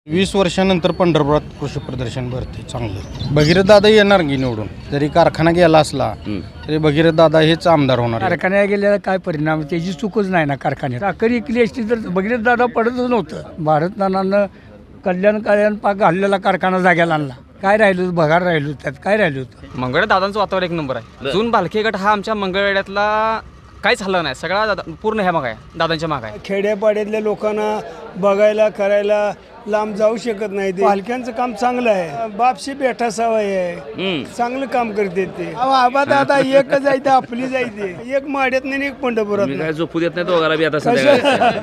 20 वर्षानंतर पंढरपुरात कृषी प्रदर्शन भरते चांगलं. भगीरथ दादा येणार की निवडून. जरी कारखाना गेला असला तरी भगीरथ दादा हेच आमदार होणार. कारखान्यात गेलेला काय परिणाम, त्याची चूकच नाही ना. कारखान्यात साखर इकली असती तर भगीरथ दादा पडतच नव्हतं. भारत नानानं कल्याण पाक घाललेला कारखाना जाग्याला आणला. काय राहिलं, भगार राहिलो, त्यात काय राहिलो होतं. मंगळ दादांचं वातावरण एक नंबर आहे. जून भालके गट हा आमच्या मंगळवेड्यातला काहीच हल्ला नाही. सगळा पूर्ण ह्या माग आहे, दादांच्या माग आहे. खेड्यापाड्यातल्या लोकांना बघायला करायला लांब जाऊ शकत नाही. ते पालक्यांचं काम चांगलं आहे. बापशी बेठा सवय आहे, चांगलं काम करते ते. आबा दादा एकच जायचं, आपली जायचे. एक माड्यात नाही, एक पंढरपुरात काय झोपू देत नाही दोघाला बी आता संध्याकाळी.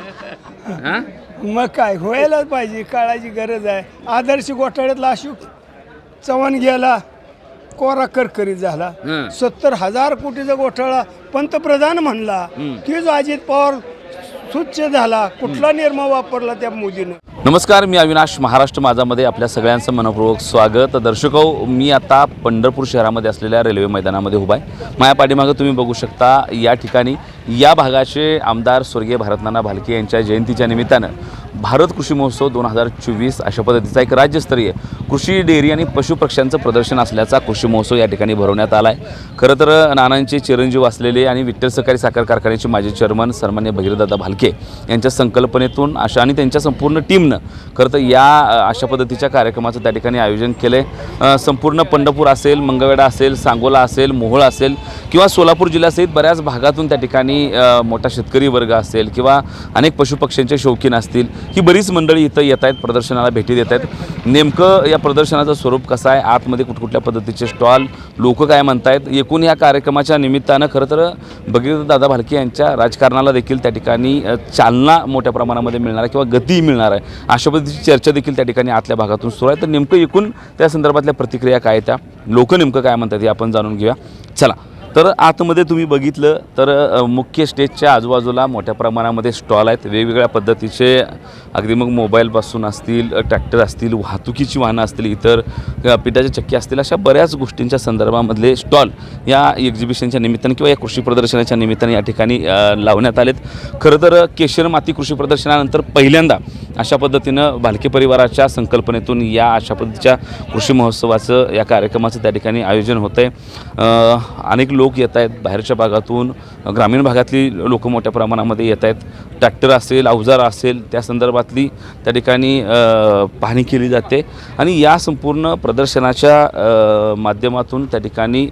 मग काय व्हायलाच पाहिजे, काळाची गरज आहे. आदर्श घोटाळ्यातला अशोक चव्हाण गेला, कोरा करकरीत झाला. 70,000 कोटीचा घोटाळा पंतप्रधान म्हणला. तीच अजित पवार स्वच्छ झाला. कुठला निर्मा वापरला त्या मोदीनं. नमस्कार, मी अविनाश. महाराष्ट्र माझामध्ये आपल्या सगळ्यांचं मनपूर्वक स्वागत. दर्शको, मी आता पंढरपूर शहरामध्ये असलेल्या रेल्वे मैदानामध्ये उभा आहे. माझ्या पाठीमागं तुम्ही बघू शकता, या ठिकाणी या भागाचे आमदार स्वर्गीय भारतनाना भालके यांच्या जयंतीच्या निमित्तानं भारत कृषी महोत्सव 2024 अशा पद्धतीचा एक राज्यस्तरीय कृषी डेअरी आणि पशुपक्ष्यांचं प्रदर्शन असल्याचा कृषी महोत्सव या ठिकाणी भरवण्यात आला आहे. खरं तर नानांचे चिरंजीव असलेले आणि विठ्ठल सहकारी साखर कारखान्याचे माजी चेअरमन सन्मान्य भगीरथदादा भालके यांच्या संकल्पनेतून आणि त्यांच्या संपूर्ण टीमनं खरं तर या अशा पद्धतीच्या कार्यक्रमाचं त्या ठिकाणी आयोजन केलं आहे. संपूर्ण पंढरपूर असेल, मंगळवेढा असेल, सांगोला असेल, मोहोळ असेल किंवा सोलापूर जिल्ह्यासहित बऱ्याच भागातून त्या ठिकाणी मोठा शेतकरी वर्ग असेल किंवा अनेक पशुपक्ष्यांचे शौकीन असतील, ही बरीच मंडळी इथं येत आहेत, प्रदर्शनाला भेटी देत आहेत. नेमकं या प्रदर्शनाचं स्वरूप कसं आहे, आतमध्ये कुठकुठल्या पद्धतीचे स्टॉल, लोक काय म्हणतायत, एकूण या कार्यक्रमाच्या निमित्तानं खरं तर भगीरथदादा भालके यांच्या राजकारणाला देखील त्या ठिकाणी चालना मोठ्या प्रमाणामध्ये मिळणार आहे किंवा गती मिळणार आहे, अशा पद्धतीची चर्चा देखील त्या ठिकाणी आतल्या भागातून सुरू आहे. तर नेमकं एकूण त्या संदर्भातल्या प्रतिक्रिया काय, त्या लोक नेमकं काय म्हणतात हे आपण जाणून घेऊया. चला. तर आतमध्ये तुम्ही बघितलं तर मुख्य स्टेजच्या आजूबाजूला मोठ्या प्रमाणामध्ये स्टॉल आहेत. वेगवेगळ्या पद्धतीचे, अगदी मग मोबाईलपासून असतील, ट्रॅक्टर असतील, वाहतुकीची वाहनं असतील, इतर पिठाच्या चक्की असतील, अशा बऱ्याच गोष्टींच्या संदर्भामधले स्टॉल या एक्झिबिशनच्या निमित्तानं किंवा या कृषी प्रदर्शनाच्या निमित्तानं या ठिकाणी लावण्यात आलेत. खरं तर केशर माती कृषी प्रदर्शनानंतर पहिल्यांदा अशा पद्धतीनं भालके परिवाराच्या संकल्पनेतून या अशा पद्धतीच्या कृषी महोत्सवाचं, या कार्यक्रमाचं त्या ठिकाणी आयोजन होतं आहे. अनेक लोक येत आहेत बाहेरच्या भागातून, ग्रामीण भागातली लोक मोठ्या प्रमाणामध्ये येत आहेत. ट्रॅक्टर असेल, अवजार असेल, त्या संदर्भातली त्या ठिकाणी पाहणी केली जाते आणि या संपूर्ण प्रदर्शनाच्या माध्यमातून त्या ठिकाणी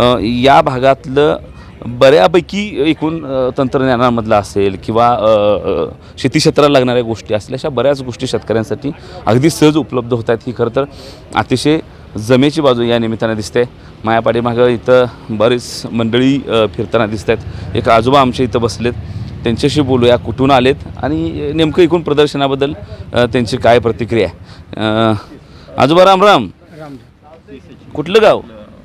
या भागातलं बऱ्यापैकी एकूण तंत्रज्ञानामधलं असेल किंवा शेती क्षेत्राला लागणाऱ्या गोष्टी असतील, अशा बऱ्याच गोष्टी शेतकऱ्यांसाठी अगदी सहज उपलब्ध होत आहेत. ही खरं तर अतिशय जमेची बाजू या निमित्तानं दिसते. माझ्या पाठीमागं इथं बरीच मंडळी फिरताना दिसत आहेत. एक आजोबा आमच्या इथं बसलेत, त्यांच्याशी बोलूया, कुठून आलेत आणि नेमकं एकूण प्रदर्शनाबद्दल त्यांची काय प्रतिक्रिया आहे. आजोबा राम राम. कुठलं गाव?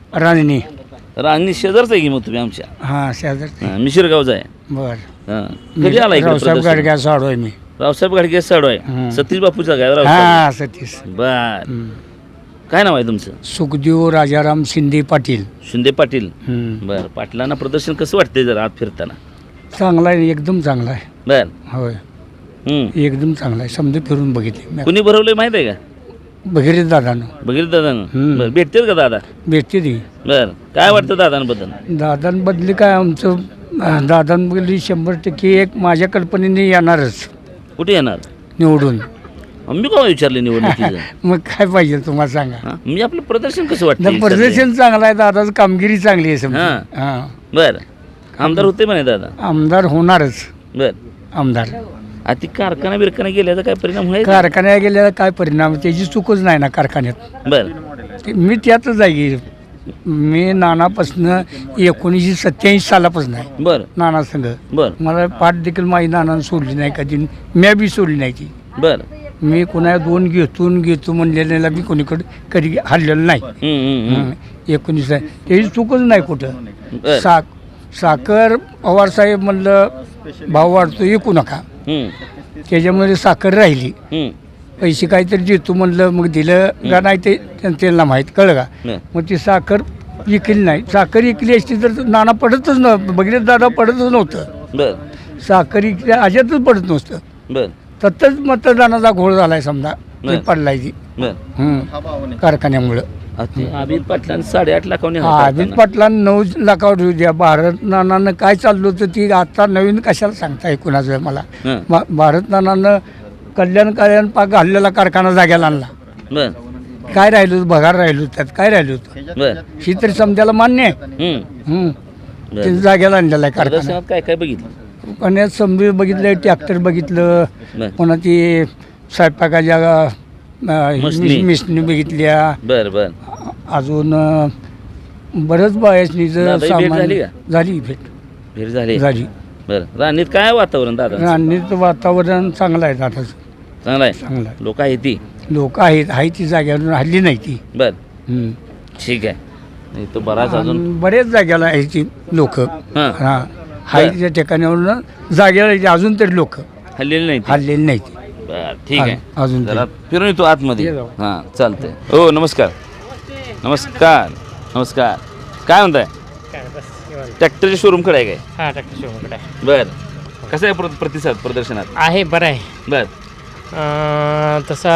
रांगणी शेजारचं आहे की मग तुम्ही आमच्या? हां, शेजार मिशिरगावचा आहे. बरं. कधी आला इकडे? रावसाहेब गाडग्या साडू आहे मी. रावसाहेब गाडगे साडू आहे. सतीश बापूचा काय? हां, सतीश. बर. काय नाव आहे तुमचं? सुखदेव राजाराम शिंदे पाटील. शिंदे पाटील. बर. पाटलांना प्रदर्शन कसं वाटतंय जरा आत फिरताना? चांगला आहे, एकदम चांगला आहे. बर. होय, एकदम चांगला आहे. समजा फिरून बघितले. कुणी भरवलंय माहित आहे का? भगीरथ दादानं. भगीरथ दादानं. बर. भेटतील का दादा? भेटते ती. बर. काय वाटतं दादांबद्दल? दादांबदली काय, आमचं दादांबदली 100% एक माझ्या कल्पनेने येणारच कुठे येणार निवडून. मी का विचारले निवडणुकीचं? मग काय पाहिजे तुम्हाला सांगा. म्हणजे आपलं प्रदर्शन कसं वाटतं? प्रदर्शन चांगलं आहे, दादाचं कामगिरी चांगली आहे समजा. हां. बर. आमदार होते म्हणे दादा? आमदार होणारच. बर. आमदार. ती कारखाना बिरखाना गेल्याचा काय परिणाम होईल? कारखान्यात गेल्याला काय परिणाम, त्याची चूकच नाही ना कारखान्यात. बर. मी त्यातच आहे. मी नानापासून 1987 सालापासून आहे. बर. नाना संघ. बर. मला पाठ देखील माझी नानानं सोडली नाही कधी, म्या बी सोडली नाही ती. बर. मी कोणा दोन घेतो म्हणलेल्याला मी कोणीकडे कधी हल्लेलं नाही. 19 त्याची चूकच नाही कुठं. साखर पवारसाहेब म्हणलं भाव वाढतो, विकू नका. त्याच्यामध्ये साखर राहिली. पैसे काहीतरी देतो म्हणलं, मग दिलं का नाही ते त्यांना माहीत, कळलं का. मग ती साखर विकली नाही. साखर विकली असती तर नाना पडतच नव्हतं, भगीरथ दादा पडतच नव्हतं. साखर विकल्या अजिबातच पडत नसतं. तत्तच मतदानाचा घोळ झाला आहे समजा. ते पडलाय ती बर कारखान्यामुळं. अभित पाटलांनी 8.5 लाखांनी अभित पाटलांना 9 लाखावर येऊ द्या. भारत नानानं काय चाललं होतं ती आता नवीन कशाला सांगताय कुणाचं मला. भारत नानानं कल्याण पाक घाललेला कारखाना जाग्याला आणला. बर काय राहिलं होतं बघार राहिलं होतं त्यात काय राहिलं होतं बर ही तरी समजायला मान्य आहे. ते जाग्याला आणलेला आहे कारखाना. प्रदर्शनात काय काय बघितलं पुण्यात समजून बघितलं ट्रॅक्टर बघितलं बर पुन्हा ती स्वयंपाकाच्या मशनी. मिशनी बघितल्या. बर बर अजून बरंच बायसनीचं दादा, ही भेट झाली का? झाली भेट भेट झाली झाली. बर राणीत काय वातावरण दादा राणीचं वातावरण चांगलं आहे दादाचं चांगलं आहे चांगलं आहे. लोक आहे ती लोक आहेत ती जाग्यावरून हल्ली नाही ती. बर ठीक आहे नाही तो बराच अजून आणि बरेच जाग्याला आहे ती लोक. हां. हा हायच्या ठिकाणावरून जाग्याला आहे ती अजून तरी लोक हल्लेली नाही ती. हल्लेली नाही ती. बर ठीक आहे अजून जरा फिरून येतो आतमध्ये ये जाऊ. हां चालतंय हो नमस्कार नमस्कार नमस्कार काय म्हणताय ट्रॅक्टरच्या शोरूमकडे आहे काय हा ट्रॅक्टर शोरूमकडे आहे. बर कसं आहे प्रतिसाद प्रदर्शनात आहे बरं आहे. बर तसा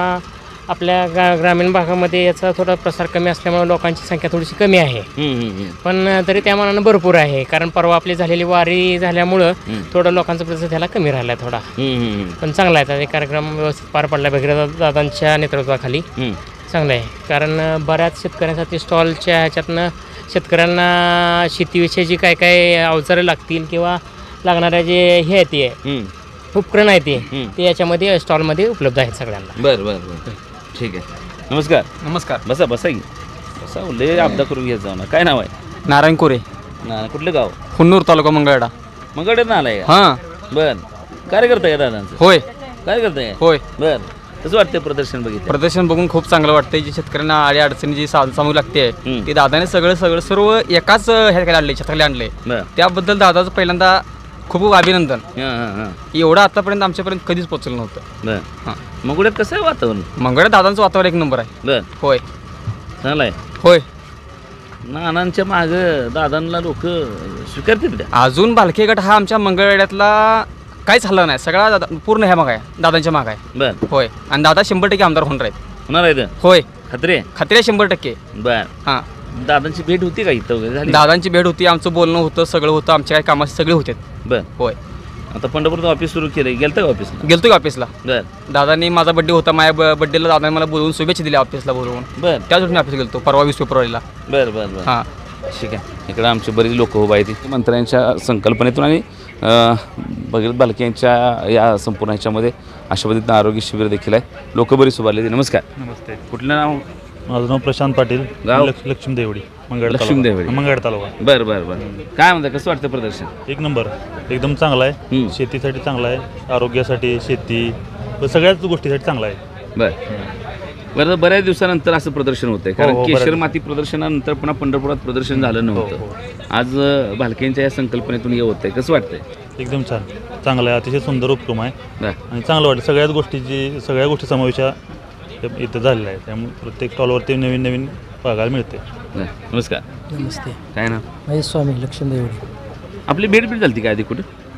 आपल्या ग्रामीण भागामध्ये याचा थोडा प्रसार कमी असल्यामुळे लोकांची संख्या थोडीशी कमी आहे. पण तरी त्या मानानं भरपूर आहे. कारण परवा आपली झालेली वारी झाल्यामुळं थोडं लोकांचा प्रतिसाद ह्याला कमी राहिला थोडा. पण चांगला आहे त्याचा कार्यक्रम व्यवस्थित पार पडला भगीरथ दादांच्या नेतृत्वाखाली. चांगलं आहे कारण बऱ्याच शेतकऱ्यांसाठी स्टॉलच्या ह्याच्यातनं शेतकऱ्यांना शेतीविषयी काय काय अवजारं लागतील किंवा लागणाऱ्या जे हे आहे ते उपकरण आहे ते याच्यामध्ये स्टॉलमध्ये उपलब्ध आहेत सगळ्यांना. बर बर बर ठीक आहे नमस्कार नमस्कार. बसा बसा की बसा लय आपदा करून घ्यायचं जाऊ ना काय नाव आहे नारायण कोरे, ना कुठलं गाव हुन्नूर तालुका मंगळवेढा. मंगळवेढ्यात आलाय का हां बर काय करताय का दादांचं होय काय करताय होय. बर कसं वाटतंय प्रदर्शन बघितलं प्रदर्शन बघून खूप चांगलं वाटतंय. जी शेतकऱ्यांना आडी अडचणी जी सामू लागते हम्म. ती दादाने सर्व एकाच ह्याकडे आणले शेताकडे आणले. बर त्याबद्दल दादाचं पहिल्यांदा खूप अभिनंदन. हां हां हां एवढं आतापर्यंत आमच्यापर्यंत कधीच पोहोचलं नव्हतं. बर हां मंगळवेढ्यात कसं आहे वातावरण मंगळवेढा दादांचं वातावरण एक नंबर आहे. बर होय चांगलं आहे होय. नानांच्या मागं दादांना लोक स्वीकारतील त्या अजून भालके गट हा आमच्या मंगळवेढ्यातला काहीच हल्ला नाही. सगळा पूर्ण ह्या माग आहे दादांच्या माग आहे. बर होय. आणि दादा 100% आमदार होणार आहेत. होणार आहे होय खात्री आहे खात्री आहे 100%. बर हां दादांची भेट होती का इथं वगैरे झाली दादांची भेट होती, आमचं बोलणं होतं, सगळं होतं, आमच्या काही कामाचे सगळे होते. बर होय. आता पंढरपूरचं ऑफिस सुरू केलं गेलं का ऑफिसला गेलतो की ऑफिसला. बर दादांनी माझा बड्डे होता, माझ्या बड्डेला दादाने मला बोलवून शुभेच्छा दिल्या ऑफिसला बोलवून. बर त्यासाठी मी ऑफिस गेलतो परवा 20 फेब्रुवारीला. बर बर बर हां ठीक आहे इकडं आमची बरीच लोक उभा आहेत मंत्र्यांच्या संकल्पनेतून आणि भगीरथ बालके यांच्या या संपूर्ण ह्याच्यामध्ये अशा पद्धतीनं आरोग्य शिबिर देखील आहे. लोक बरीच उभारले. नमस्कार नमस्ते कुठलं नाव माझं नाव प्रशांत पाटील गाव? लक्ष्मी देवडी लक्ष्मी देवडी. मंगळ तालुका बरं बरं बरं काय म्हणतं कसं वाटतं प्रदर्शन एक नंबर एकदम चांगला आहे शेतीसाठी चांगला आहे आरोग्यासाठी शेती व सगळ्याच गोष्टीसाठी चांगला आहे बरं बरं बऱ्याच दिवसानंतर असं प्रदर्शन होतंय कारण हो, केशर बऱ्याच. माती प्रदर्शनानंतर पुन्हा पंढरपुरात प्रदर्शन झालं नव्हतं. आज भालकेंच्या या संकल्पनेतून हे होतंय कसं वाटतंय एकदम छान चांगलं आहे अतिशय सुंदर उपक्रम आहे बरं आणि चांगलं वाटतं सगळ्या गोष्टी समावेश इथं झालेला आहे त्यामुळे प्रत्येक स्टॉलवरती नवीन नवीन बघायला मिळते. बरं. नमस्कार नमस्ते काय ना माझे स्वामी लक्ष्मी देवडी. आपली भेट झाली काय आधी कुठं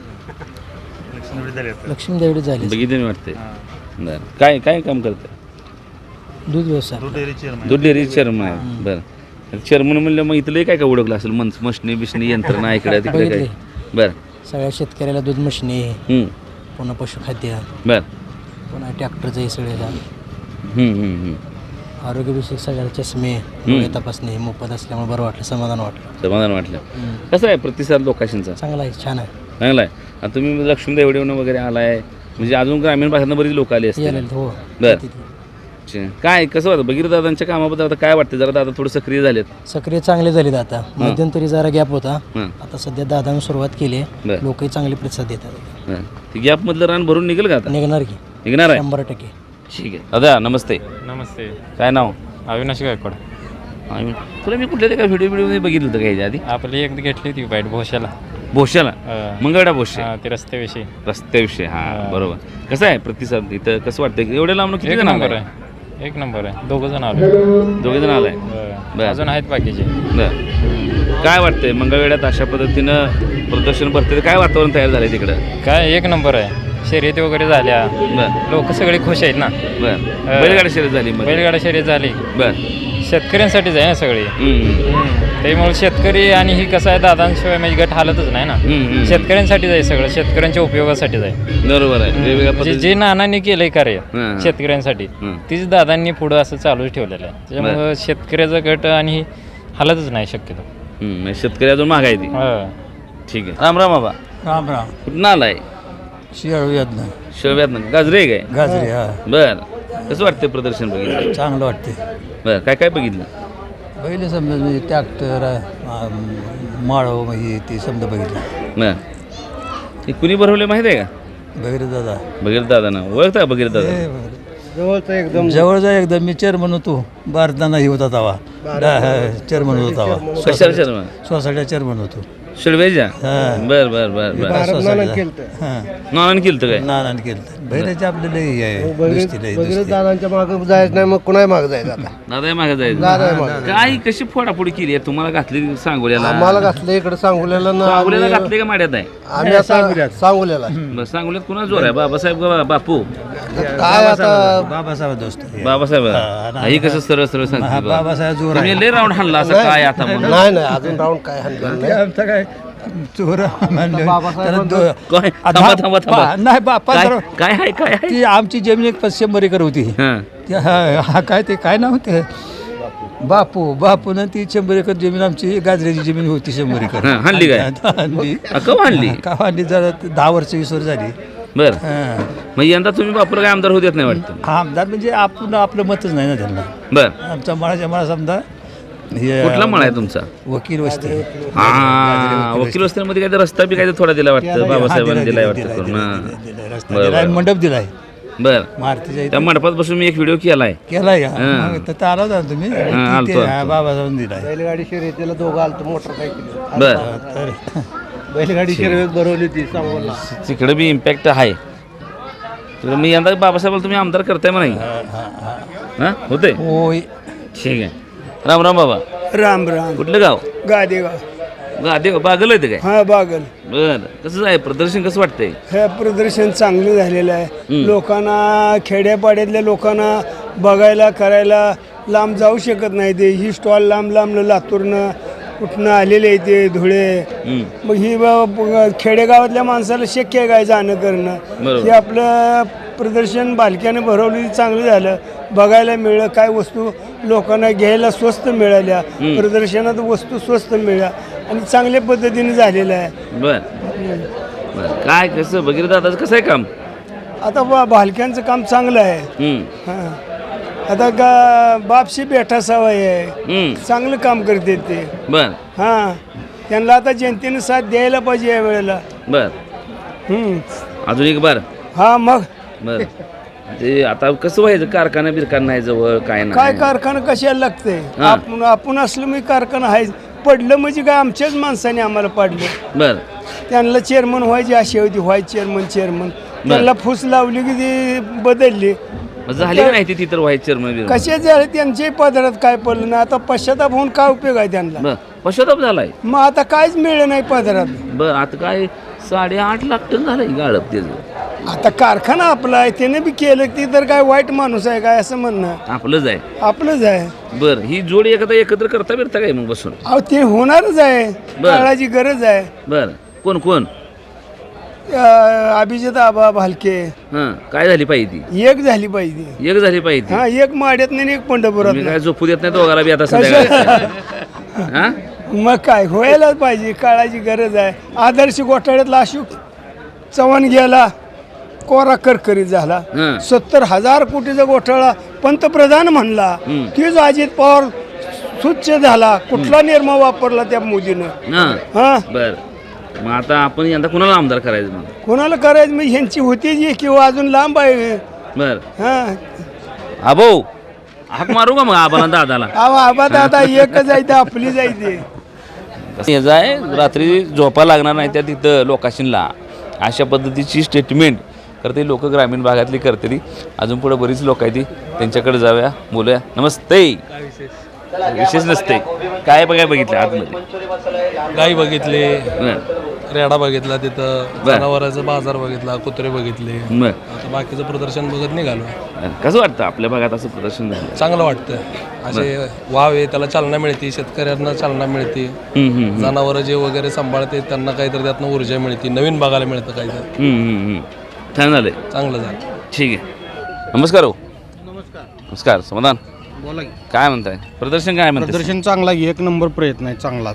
लक्ष्मी देवडी झाली. बघितलं नाही वाटतंय बरं काय काय काम करतंय दूध व्यवसाय. दूध डेअरी चेअरमन आहे बरं चेअरमन म्हणलं मग इथलं काय काय ओळखलं असेल मशनी बिशनी यंत्रणा इकडे तिकडे काय बरं सगळ्या शेतकऱ्याला दूध मशनी पुन्हा पशुखाद्य बरं पुन्हा ट्रॅक्टरचं हे सगळ्याला हम्म. आरोग्यविषयक सगळ्या चष्मे डोळे तपासणी मोफत असल्यामुळे बरं वाटलं समाधान वाटलं. समाधान वाटलं कसं आहे प्रतिसाद लोकांचा चांगला आहे छान आहे. चांगला आहे आता तुम्ही लक्ष्मी देवडेवनं वगैरे आलाय म्हणजे अजून ग्रामीण भागातनं बरीच लोक आली असतील यायला हो बरं अच्छा. काय कसं वाटतं भगीरथ दादांच्या कामाबद्दल आता काय वाटतं जरा दादा थोडं सक्रिय झालेत सक्रिय चांगले झालेत आता. मध्यंतरी जरा गॅप होता हां आता सध्या दादाने सुरुवात केली आहे. बरं. लोकही चांगले प्रतिसाद देतात. हां ते गॅपमधलं रान भरून निघेल का आता निघणार की निघणार आहे 100%. ठीक आहे दादा नमस्ते नमस्ते काय नाव अविनाश गायकवाड. तुला मी कुठल्या त्या व्हिडिओ बघितलं होतं का ह्याच्या आधी आपली एक घेतली होती बाईट भोशाला भोश्याला मंगळवेढा भोशे ते रस्त्याविषयी. रस्त्याविषयी हां बरोबर कसं आहे प्रतिसाद इथं कसं वाटतं एवढ्या लांब किती जण आलाय? एक नंबर आहे 2 जण आले. दोघे जण आलाय बरं. अजून आहेत बाकीचे. बरं काय वाटतंय मंगळवेढ्यात अशा पद्धतीनं प्रदर्शन भरते काय वातावरण तयार झालंय तिकडं काय एक नंबर आहे शर्यती वगैरे झाल्या, बर लोक सगळे खुश आहेत ना. बर बैलगाडी शर्यत झाली मग. बैलगाडा शर्यत झाली, बर शेतकऱ्यांसाठीच आहे ना सगळे. त्यामुळे शेतकरी आणि ही कसं आहे, दादांशिवाय म्हणजे गट हालतच नाही ना. शेतकऱ्यांसाठीच आहे सगळं, शेतकऱ्यांच्या उपयोगासाठीच आहे. बरोबर आहे. वेगवेगळ्या जे पद्धती जे नानांनी केलंय कार्य हां. शेतकऱ्यांसाठी, हं. तीच दादांनी पुढं असं चालूच ठेवलेलं आहे. त्याच्यामुळं शेतकऱ्याचा गट आणि हालतच नाही शक्यतो. म्हणजे शेतकरी अजून महाग आहे ती. हा. ठीक आहे. राम राम बाबा. राम राम. कुठं आलाय? शिळव्यात ना शिव्यात ना गाजरे आहे काय? गाजरे. हा, बर कसं वाटतं प्रदर्शन बघितलं? चांगलं वाटते. बर काय काय बघितलं? पहिले समजा म्हणजे ट्रॅक्टर माळव म्हणजे ते समजा बघितलं. बर हे कुणी भरवले माहिती आहे का? बघितलं दादा. बघीर दादा ना ओळखता का बघीर दादा? जवळचा एकदम मी चेअरमन होतो. भारताना ही होता तवा चेअरमन होता तवा. कशाला शर्मा? सोसायटीचा चेअरमन होतो. शिळवेच्या? हां. बर बर बर बर नानानं केलं काय? नानाने केलं. बहिराचे आपले लई आहे दुसरी लई दुसरी. दादांच्या मागे जायचं नाही, मग कुणाही मागे जायचं आता. दादा मागे जायचं काय कशी फोडाफोडी केली आहे तुम्हाला? घातली सांगोल्याला? आम्हाला घातलं इकडे सांगोल्याला ना. सांगोल्याला घातले का माड्यात आहे? आम्ही आता सांगोल्याला बस सांगोल्यात कुणा जोर आहे? बाबासाहेब का बापू? काय आता बाबासाहेब दोस्त. बाबासाहेब हा, ही कसं सरळ सरळ हा, सांगते बाबासाहेब जोर आहे. तुम्ही लय राऊंड हाणला असं काय आता म्हणून? नाही नाही अजून राऊंड काय हाणलेलं नाही. आमचा काय चोर म्हणलं. बाबासाहेब त्याला दो- काय? आ, थांबा, दहा- थांबा, थांबा. नाही बापा काय काय आहे काय आहे? ती आमची जमीन एक 100 एकर होती. हां. हा काय ते काय नाव होते बापून ती 100 एकर जमीन आमची गाजऱ्याची जमीन होती 100 एकर. हां, हाणली काय? हाणली. कवा हाणली? का हाणली जरा 10 वर्ष 20 वर्ष झाली. बर हां. मग यंदा तुम्ही बापूला काय आमदार होत येत नाही वाटतं? आमदार म्हणजे आपण आपलं मतच नाही ना त्यांना. बर आमचा मळाच्या मळा समजा हे कुठला मळा आहे तुमचा? वकील वस्ती. हा वकील वस्त्यांमध्ये काय रस्ता बी काय थोडा दिला वाटतं बाबासाहेबांनी दिलाय वाटतं करून. हां. रस्ता दिलाय, मंडप दिलाय बर मारुतीच्या त्या मंडपात बसून मी एक व्हिडिओ केलाय. केलाय का? हां. मग तर आला होता ना तुम्ही. आलतो, ते- आलतो. बाबासाहेब दिलाय. बैलगाडी शर्यतीला दोघं आलतो मोटरसायकल. बर तर बैलगाडी शर्यत भरवली होती सांगोला. तिकडे बी इम्पॅक्ट आहे. तर मी यंदा बाबासाहेबाला तुम्ही आमदार करताय म्हणा की? हां होते. होय. ठीक आहे. राम राम बाबा. राम राम. कुठलं गाव? गादेगाव. गादेगाव बागल आहे काय? हा बागल. बर कसं आहे प्रदर्शन कसं वाटतंय? हे प्रदर्शन चांगलं झालेलं आहे. लोकांना खेड्यापाड्यातल्या लोकांना बघायला करायला लांब जाऊ शकत नाही. ते ही स्टॉल लांब लांब लातूरनं कुठनं आलेले आहे ते धुळे. मग ही खेडेगावातल्या माणसाला शक्य आहे काय जाणं करणं. बरोबर. हे आपलं प्रदर्शन बालक्याने भरवली चांगलं झालं. बघायला मिळलं काय वस्तू लोकांना घ्यायला स्वस्त मिळाल्या. प्रदर्शनात वस्तू स्वस्त मिळाल्या आणि चांगल्या पद्धतीने झालेलं आहे. बर बर काय कसं बघितलं दादाचं कसं आहे काम? आता बालक्यांचं काम चांगलं आहे. हां आता बापशी बेठा सवय आहे. चांगलं काम करते ते. बर हां त्यांना आता जनतेने साथ द्यायला पाहिजे या वेळेला. बर अजून एक बार. हा मग बर ते आता कसं व्हायचं? कारखाना बिरखाना नाही जवळ काय काय नाही. कारखाना कशाला लागते? हां. आपण असलं मी कारखाना आहे. पडलं म्हणजे काय आमच्याच माणसाने आम्हाला पाडलं. बर त्यांना चेअरमन व्हायची अशी होती. चेअरमन त्यांना फूस लावली की ती बदलली. मग झाली का नाही ती तिथं व्हायचं चेअरमन? कशा झाले त्यांच्याही पदरात काय पडलं नाही. आता पश्चाताप होऊन काय उपयोग आहे त्यांना? बर पश्चाताप झालाय. मग आता काहीच मिळलं नाही पदरात. बर आता काय 8.5 लाख टन झालंय गाळप त्याचं. आता कारखाना आपला आहे त्याने बी केलं ती तर काय वाईट माणूस आहे काय असं म्हणणं आपलंच आहे. आपलंच आहे. बर ही जोडी एकत्र करता बिरता काय मग बसून? अहो ते होणारच आहे. काळाची गरज आहे. बर कोण कोण? अभिजित आबा भालके हां काय झाली पाहिजे ती? एक झाली पाहिजे. एक झाली पाहिजे. हा एक माड्यात नाही एक पंढरपुरात मी काय झोपू देत नाही दोघाला बी आता संध्याकाळी. हां मग काय व्हायलाच पाहिजे. काळाची गरज आहे. आदर्श घोटाळ्यातला अशोक चव्हाण गेला कोरा करकरीत झाला. 70,000 कोटीचा घोटाळा पंतप्रधान म्हणला. तीच अजित पवार स्वच्छ झाला. कुठला निर्मा वापरला त्या मोदीनं? हा बर मग आता आपण यंदा कुणाला आमदार करायचं मग? कोणाला करायचं मग ह्यांची होती जी किंवा अजून लांब आहे. बर हा आबो हाक मारू का मग आबाला दादाला? आबा दादा एकच आहे ते आपली जायचे. हे जाय रात्री झोपा लागणार नाही त्या तिथं लोकाशीनला अशा पद्धतीची स्टेटमेंट करते लोक ग्रामीण भागातली करते. अजून पुढे बरीच लोक आहेत ती त्यांच्याकडे जाऊया बोलूया. नमस्ते. विशेष नसते काय बघायला बघितलं आतमध्ये? गाई बघितले, रेडा बघितला, तिथं जनावरांचा बाजार बघितला, कुत्रे बघितले. बरं. आता बाकीचं प्रदर्शन बघत निघालो. कसं वाटतं आपल्या भागात असं प्रदर्शन झालं? चांगलं वाटतं. असे वावे त्याला चालना मिळते, शेतकऱ्यांना चालना मिळते, जनावरं जे वगैरे सांभाळते त्यांना काहीतरी त्यातनं ऊर्जा मिळते, नवीन बघायला मिळतं काहीतरी. छान झालंय. चांगलं झालं. ठीक आहे. नमस्कार हो. नमस्कार. समाधान बोला की. काय म्हणताय? प्रदर्शन काय म्हणताय? प्रदर्शन चांगला आहे, एक नंबर प्रयत्न आहे चांगला.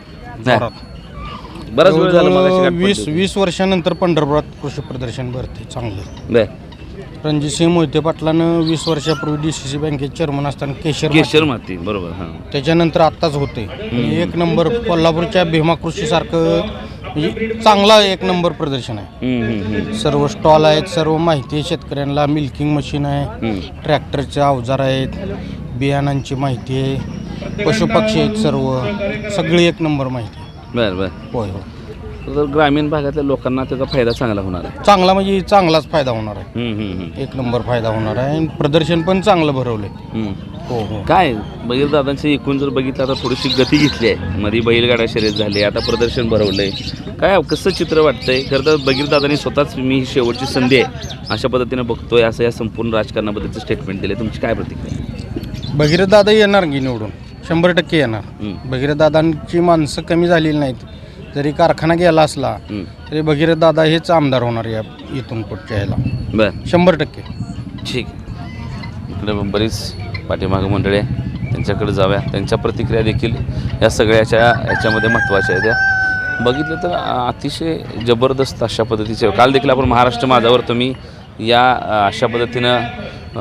बराच वेळ झाला मगाशी गाठ पडली 20 वर्षानंतर पंढरपुरात कृषी प्रदर्शन भरते चांगलं. होती. बरं. रणजितसिंह मोहिते पाटलानं 20 वर्षापूर्वी DCC बँकेचे चेअरमन असताना केशर माती बरोबर. हां. त्याच्यानंतर आत्ताच होते. एक नंबर कोल्हापूरच्या भीमा कृषीसारखं म्हणजे चांगला एक नंबर प्रदर्शन आहे. सर्व स्टॉल आहेत, सर्व माहिती आहे शेतकऱ्यांना. मिल्किंग मशीन आहे, ट्रॅक्टरचे अवजार आहेत, बियाणांची माहिती आहे, पशुपक्षी आहेत, सगळी एक नंबर माहिती आहे. बरं बरं. होय हो. तर ग्रामीण भागातल्या लोकांना त्याचा फायदा चांगला होणार आहे. चांगला म्हणजे चांगलाच फायदा होणार आहे. एक नंबर फायदा होणार आहे. आणि प्रदर्शन पण चांगलं भरवले. हो हो. काय बघीर दादांची एकूण जर बघितलं आता थोडीशी गती घेतली आहे. मध्ये बैलगाडा शर्यत झाली, आता प्रदर्शन भरवलंय. काय कसं चित्र वाटतंय? खरं तर बघीर दादांनी स्वतःच मी ही शेवटची संधी आहे अशा पद्धतीनं बघतोय असं या संपूर्ण राजकारणाबद्दलचं स्टेटमेंट दिले. तुमची काय प्रतिक्रिया? भगीरथ दादा येणार की निवडून 100% येणार. भगीरथ दादांची माणसं कमी झालेली नाहीत. जरी कारखाना गेला असला तरी भगीरथ दादा हेच आमदार होणार या इथून पुढच्या ह्याला. बरं. 100%. ठीक आहे. इकडे बरीच पाठीमागं मंडळी आहे, त्यांच्याकडे जाऊया. त्यांच्या प्रतिक्रिया देखील या सगळ्याच्या याच्यामध्ये महत्त्वाच्या आहेत. त्या बघितलं तर अतिशय जबरदस्त अशा पद्धतीचे. काल देखील आपण महाराष्ट्र माझावर तुम्ही या अशा पद्धतीनं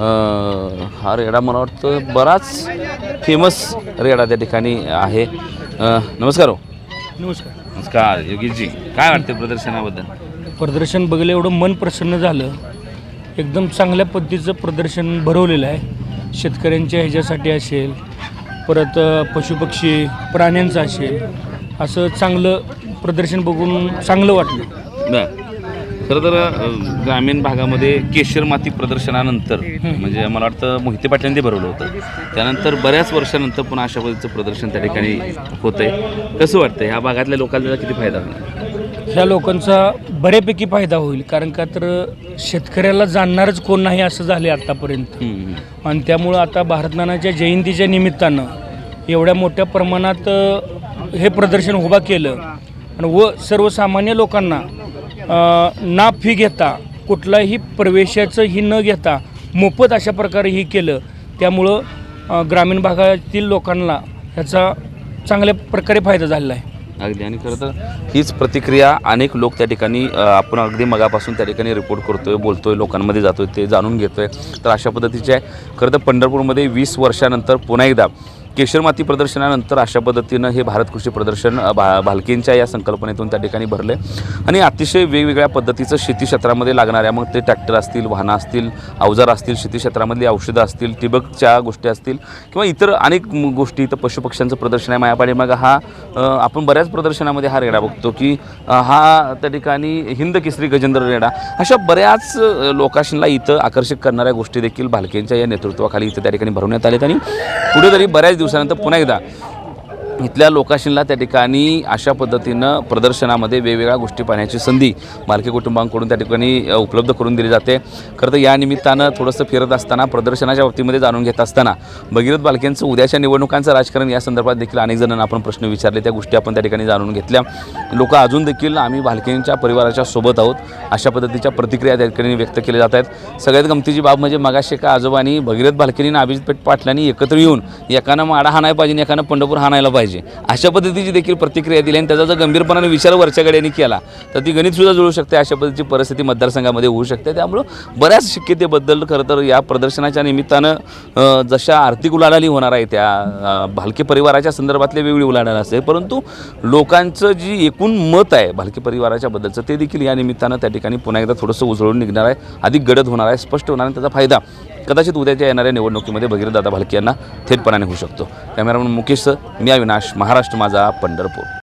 हा रेडा मला वाटतं बराच फेमस रेडा त्या ठिकाणी आहे. नमस्कार हो. नमस्कार. नमस्कार योगीजी. काय वाटतं प्रदर्शनाबद्दल? प्रदर्शन बघलं एवढं मन प्रसन्न झालं. एकदम चांगल्या पद्धतीचं प्रदर्शन भरवलेलं आहे. शेतकऱ्यांच्या ह्याच्यासाठी असेल, परत पशुपक्षी प्राण्यांचं असेल, असं चांगलं प्रदर्शन बघून चांगलं वाटलं. बरं. खरं तर ग्रामीण भागामध्ये केशर माती प्रदर्शनानंतर म्हणजे मला वाटतं मोहिते पाटलांनी ते भरवलं होतं. त्यानंतर बऱ्याच वर्षानंतर पुन्हा अशा पद्धतीचं प्रदर्शन त्या ठिकाणी होतं आहे. कसं वाटतं ह्या भागातल्या लोकांना किती फायदा होईल? ह्या लोकांचा बऱ्यापैकी फायदा होईल. कारण का तर शेतकऱ्याला जाणणारच कोण नाही असं झाले आत्तापर्यंत. आणि त्यामुळं आता भारतनानाच्या जयंतीच्या निमित्तानं एवढ्या मोठ्या प्रमाणात हे प्रदर्शन उभा केलं आणि सर्वसामान्य लोकांना ना फी घेता, कुठलाही प्रवेशाचं ही न घेता मोफत अशा प्रकारे ही केलं. त्यामुळं ग्रामीण भागातील लोकांना ह्याचा चांगल्या प्रकारे फायदा झालेला आहे. अगदी. आणि खरं तर हीच प्रतिक्रिया अनेक लोक त्या ठिकाणी आपण अगदी मगापासून त्या ठिकाणी रिपोर्ट करतोय, बोलतोय, लोकांमध्ये जातोय, ते जाणून घेतोय. तर अशा पद्धतीचे आहे. खरं तर पंढरपूरमध्ये 20 वर्षानंतर पुन्हा एकदा केशर माती प्रदर्शनानंतर अशा पद्धतीनं हे भारत कृषी प्रदर्शन भालकेंच्या या संकल्पनेतून त्या ठिकाणी भरले. आणि अतिशय वेगवेगळ्या पद्धतीचं शेती क्षेत्रामध्ये लागणाऱ्या, मग ते ट्रॅक्टर असतील, वाहनं असतील, अवजार असतील, शेती क्षेत्रामधली औषधं असतील, ठिबकच्या गोष्टी असतील किंवा इतर अनेक गोष्टी. इथं पशुपक्ष्यांचं प्रदर्शन आहे मायापाडी. मग हा आपण बऱ्याच प्रदर्शनामध्ये हा रेडा बघतो की हा त्या ठिकाणी हिंद केसरी गजेंद्र रेडा. अशा बऱ्याच लोकांना इथं आकर्षित करणाऱ्या गोष्टी देखील भालकेंच्या या नेतृत्वाखाली इथं त्या ठिकाणी भरवण्यात आलेत. आणि कुठेतरी बऱ्याच दिवसानंतर पुन्हा एकदा इथल्या लोकांशीला त्या ठिकाणी अशा पद्धतीनं प्रदर्शनामध्ये वेगवेगळ्या गोष्टी पाहण्याची संधी भालके कुटुंबांकडून त्या ठिकाणी उपलब्ध करून दिली जाते. खरं तर या निमित्तानं थोडंसं फिरत असताना, प्रदर्शनाच्या बाबतीमध्ये जाणून घेत असताना भगीरथ भालकेंचं उद्याच्या निवडणुकांचं राजकारण या संदर्भात देखील अनेक जणांना आपण प्रश्न विचारले. त्या गोष्टी आपण त्या ठिकाणी जाणून घेतल्या. लोक अजून देखील आम्ही भालकेंच्या परिवाराच्या सोबत आहोत अशा पद्धतीच्या प्रतिक्रिया त्या ठिकाणी व्यक्त केल्या जात आहेत. सगळ्यात गमतीची बाब म्हणजे मगाशी एका आजोबांनी भगीरथ भालकेंनी आणि अभिजित पाटलांनी एकत्र येऊन एकानं माडा हाणायला पाहिजे, एकानं पंढरपूर हाणायला पाहिजे अशा पद्धतीची देखील प्रतिक्रिया दिली. आणि त्याचा जर गंभीरपणाने विचार वरच्या गड्याने केला तर ती गणितसुद्धा जुळू शकते. अशा पद्धतीची परिस्थिती मतदारसंघामध्ये होऊ शकते. त्यामुळं बऱ्याच शक्यतेबद्दल खरं तर या प्रदर्शनाच्या निमित्तानं जशा आर्थिक उलाढाली होणार आहे त्या भालके परिवाराच्या संदर्भातले वेगळी उलाढाल असते, परंतु लोकांचं जी एकूण मत आहे भालके परिवाराच्या बद्दलचं ते देखील या निमित्तानं त्या ठिकाणी पुन्हा एकदा थोडंसं उजळून निघणार आहे, अधिक गडद होणार आहे, स्पष्ट होणार आहे. त्याचा फायदा कदाचित उद्याच्या येणाऱ्या निवडणुकीमध्ये भगीरथदादा भालके यांना थेटपणाने होऊ शकतो. कॅमेरामन मुकेशसह मी अविनाश, महाराष्ट्र माझा, पंढरपूर.